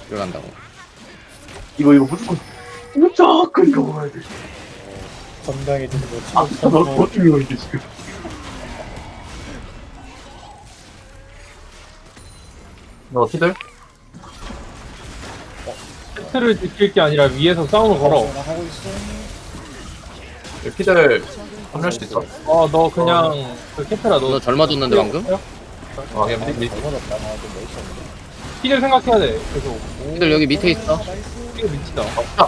들어간다고. 이거 무조건 이거 먹어야 돼. 건강해지는 거 아, 치료 너 참고 어떻게 이거 이게 지금. 너 피들? 세트를 지킬 게 아니라 위에서 싸움을 걸어. 나 하고 있어. 피들 합류할 수 있어? 너 그냥 그 캐트라 너 너 젊어졌는데 방금? 아 그냥 미 잘못했다. 나좀 멋있었는데. 피를 생각해야 돼. 계속. 피들 여기 밑에 있어. 피가 미치다.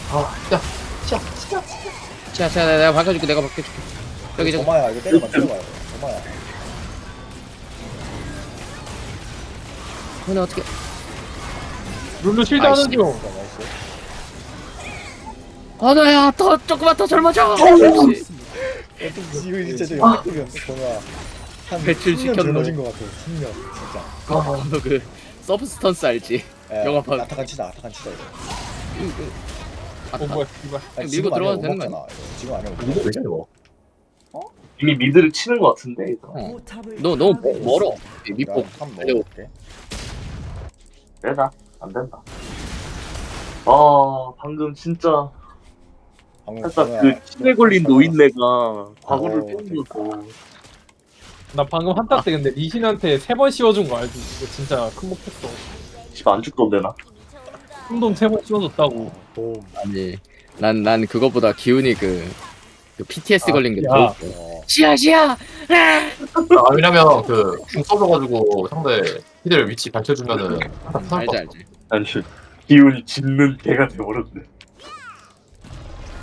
자, 내가 밝혀줄게. 내가 밝혀줄게. 저기 도마야 이거 때려봐 때려봐요. 도마야. 근데 어떻게? 룰루 실드 아이씨. 하는 중. 나이스. 너야 더 조금만 더 젊어져. 이거 진짜 저 역대급이었어. 도마. 한 배출 10년 시켰노. 젊어진 것 같아. 10년 진짜. 너그 서브스턴스 알지? 영화 봐. 아타칸 치자 이거. 뭐야 이발. 아니, 밀고 지금 들어가도 아니면 되는 못 먹잖아, 이거. 지금 아니면 못 이거 먹어. 되냐 이거? 이미 미드를 치는 것 같은데, 이거. 너 너무 멀어. 밑복. 한번 달려. 먹어볼게. 되나? 안 된다. 방금 진짜 방금 살짝 도마야, 그 치매 걸린 노인네가 과거를 어, 빼먹고. 나 방금 한타 때 근데 리신한테 3번 씌워준 거 알지? 이거 진짜 큰 목했어. 집 안 죽던데, 나? 혼돈 3번 씌워줬다고. 봄. 아니, 난 그거보다 기운이 그 PTS 걸린 게 야. 더. 시야. 아 왜냐면 그궁 써줘가지고 상대 피들 위치 밝혀주면은 항상 알지. 아니, 기운이 짓는 개가 돼버렸네.